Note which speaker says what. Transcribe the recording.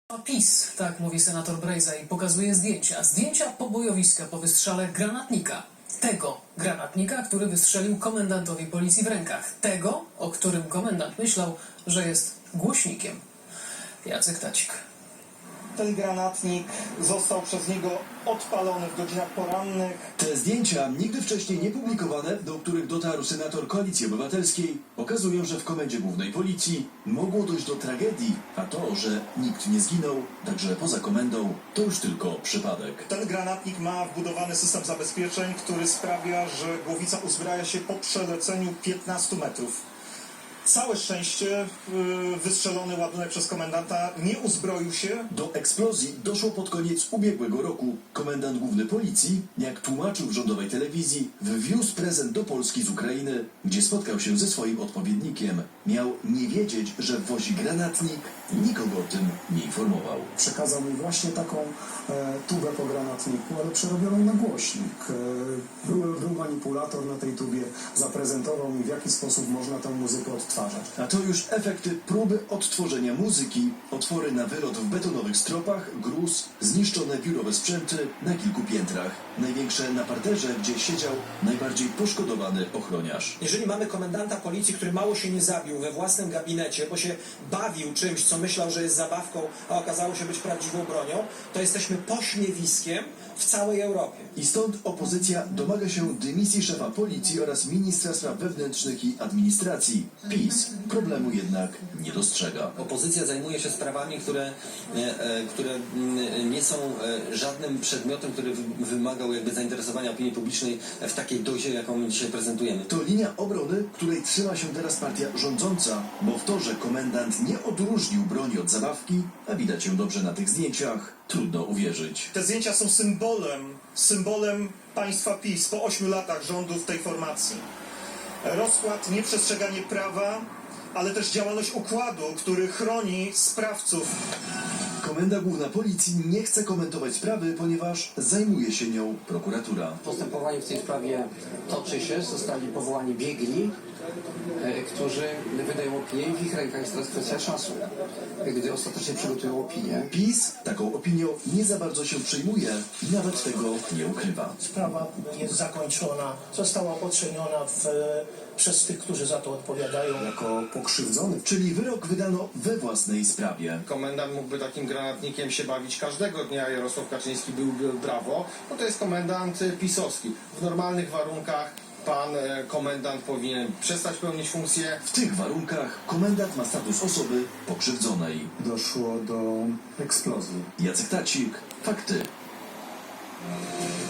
Speaker 1: A PiS, tak mówi senator Brejza i pokazuje zdjęcia. Zdjęcia pobojowiska po wystrzale granatnika. Tego granatnika, który wystrzelił komendantowi policji w rękach. Tego, o którym komendant myślał, że jest głośnikiem. Jacek Tacik.
Speaker 2: Ten granatnik został przez niego odpalony w godzinach porannych.
Speaker 3: Te zdjęcia, nigdy wcześniej nie publikowane, do których dotarł senator Koalicji Obywatelskiej, pokazują, że w Komendzie Głównej Policji mogło dojść do tragedii, a to, że nikt nie zginął, także poza komendą, to już tylko przypadek.
Speaker 2: Ten granatnik ma wbudowany system zabezpieczeń, który sprawia, że głowica uzbraja się po przeleceniu 15 metrów. Całe szczęście wystrzelony ładunek przez komendanta nie uzbroił się.
Speaker 3: Do eksplozji doszło pod koniec ubiegłego roku. Komendant Główny Policji, jak tłumaczył w rządowej telewizji, wwiózł prezent do Polski z Ukrainy, gdzie spotkał się ze swoim odpowiednikiem. Miał nie wiedzieć, że wwozi granatnik, nikogo o tym nie informował.
Speaker 4: Przekazał mi właśnie taką tubę po granatniku, ale przerobioną na głośnik. Był manipulator na tej tubie, zaprezentował mi, w jaki sposób można tę muzykę odtwarzać.
Speaker 3: A to już efekty próby odtworzenia muzyki. Otwory na wylot w betonowych stropach, gruz, zniszczone biurowe sprzęty na kilku piętrach. Największe na parterze, gdzie siedział najbardziej poszkodowany ochroniarz.
Speaker 5: Jeżeli mamy komendanta policji, który mało się nie zabił we własnym gabinecie, bo się bawił czymś, co myślał, że jest zabawką, a okazało się być prawdziwą bronią, to jesteśmy pośmiewiskiem w całej Europie.
Speaker 3: I stąd opozycja domaga się dymisji szefa policji oraz ministra spraw wewnętrznych i administracji. PiS problemu jednak nie dostrzega.
Speaker 6: Opozycja zajmuje się sprawami, które nie są żadnym przedmiotem, który wymagał jakby zainteresowania opinii publicznej w takiej dozie, jaką dzisiaj prezentujemy.
Speaker 3: To linia obrony, której trzyma się teraz partia rządząca, bo w to, że komendant nie odróżnił broni od zabawki, a widać ją dobrze na tych zdjęciach, trudno uwierzyć.
Speaker 2: Te zdjęcia są symbolem państwa PiS po 8 latach rządów tej formacji. Rozkład, nieprzestrzeganie prawa, ale też działalność układu, który chroni sprawców.
Speaker 3: Komenda Główna Policji nie chce komentować sprawy, ponieważ zajmuje się nią prokuratura.
Speaker 7: Postępowanie w tej sprawie toczy się, zostali powołani biegli, którzy wydają opinię i w ich rękach jest teraz kwestia czasu, gdy ostatecznie przygotują opinię.
Speaker 3: PiS taką opinią nie za bardzo się przejmuje i nawet tego nie ukrywa.
Speaker 8: Sprawa jest zakończona, została oceniona przez tych, którzy za to odpowiadają.
Speaker 4: Jako pokrzywdzony.
Speaker 3: Czyli wyrok wydano we własnej sprawie.
Speaker 9: Komendant mógłby takim granatnikiem się bawić każdego dnia. Jarosław Kaczyński byłby brawo, bo to jest komendant pisowski. W normalnych warunkach pan komendant powinien przestać pełnić funkcję.
Speaker 3: W tych warunkach komendant ma status osoby pokrzywdzonej.
Speaker 4: Doszło do eksplozji.
Speaker 3: Jacek Tacik, fakty.